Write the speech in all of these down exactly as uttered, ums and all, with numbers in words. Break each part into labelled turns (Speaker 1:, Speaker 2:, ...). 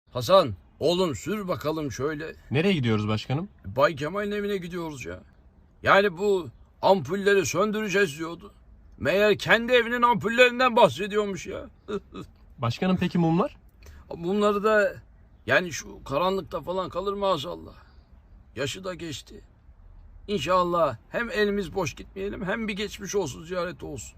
Speaker 1: Hasan, oğlum sür bakalım şöyle.
Speaker 2: Nereye gidiyoruz başkanım?
Speaker 1: Bay Kemal'in evine gidiyoruz ya. Yani bu ampulleri söndüreceğiz diyordu. Meğer kendi evinin ampullerinden bahsediyormuş ya.
Speaker 2: Başkanım peki mumlar?
Speaker 1: Bunları da yani şu karanlıkta falan kalır maazallah. Yaşı da geçti. İnşallah hem elimiz boş gitmeyelim hem bir geçmiş olsun ziyareti olsun.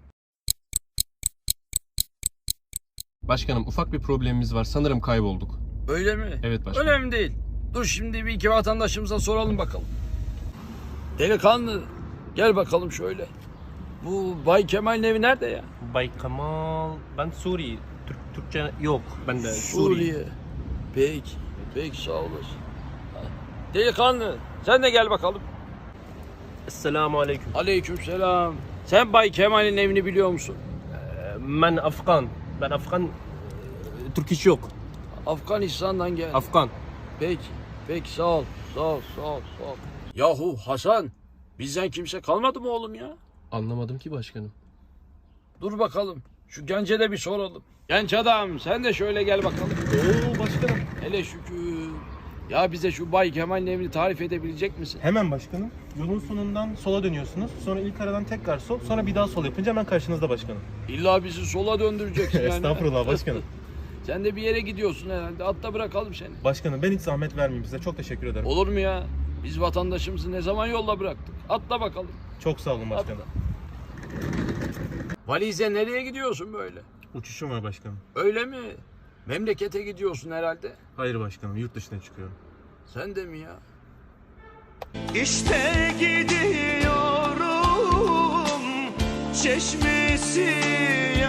Speaker 2: Başkanım ufak bir problemimiz var. Sanırım kaybolduk.
Speaker 1: Öyle mi?
Speaker 2: Evet başkanım.
Speaker 1: Önemli değil. Dur şimdi bir iki vatandaşımıza soralım bakalım. Delikanlı gel bakalım şöyle. Bu Bay Kemal'in evi nerede ya?
Speaker 3: Bay Kemal, ben Suriye. Türk, Türkçe yok. Ben de Suriye.
Speaker 1: Suriye. Peki. Peki sağ olasın. Delikanlı sen de gel bakalım.
Speaker 3: Esselamu aleyküm.
Speaker 1: Aleykümselam. Sen Bay Kemal'in evini biliyor musun?
Speaker 3: Ben Afgan. Ben Afgan. Türk iş yok.
Speaker 1: Afganistan'dan gel.
Speaker 3: Afgan.
Speaker 1: Peki. Peki sağ ol. Sağ ol. Sağ ol. Sağ ol. Yahu Hasan. Bizden kimse kalmadı mı oğlum ya?
Speaker 2: Anlamadım ki başkanım.
Speaker 1: Dur bakalım. Şu gence de bir soralım. Genç adam sen de şöyle gel bakalım.
Speaker 4: Oo başkanım.
Speaker 1: Hele şükür. Ya bize şu Bay Kemal'in evini tarif edebilecek misin?
Speaker 4: Hemen başkanım. Yolun sonundan sola dönüyorsunuz. Sonra ilk aradan tekrar sol. Sonra bir daha sol yapınca hemen karşınızda başkanım.
Speaker 1: İlla bizi sola döndüreceksin yani.
Speaker 4: Estağfurullah başkanım.
Speaker 1: Sen de bir yere gidiyorsun herhalde. Atla bırakalım seni.
Speaker 4: Başkanım ben hiç zahmet vermeyeyim size. Çok teşekkür ederim.
Speaker 1: Olur mu ya? Biz vatandaşımızı ne zaman yolda bıraktık? Atla bakalım.
Speaker 4: Çok sağ olun başkanım.
Speaker 1: Atla. Valize nereye gidiyorsun böyle?
Speaker 4: Uçuşum var başkanım.
Speaker 1: Öyle mi? Memlekete gidiyorsun herhalde.
Speaker 4: Hayır başkanım, yurt dışına çıkıyorum.
Speaker 1: Sen de mi ya?
Speaker 5: İşte gidiyorum çeşmesi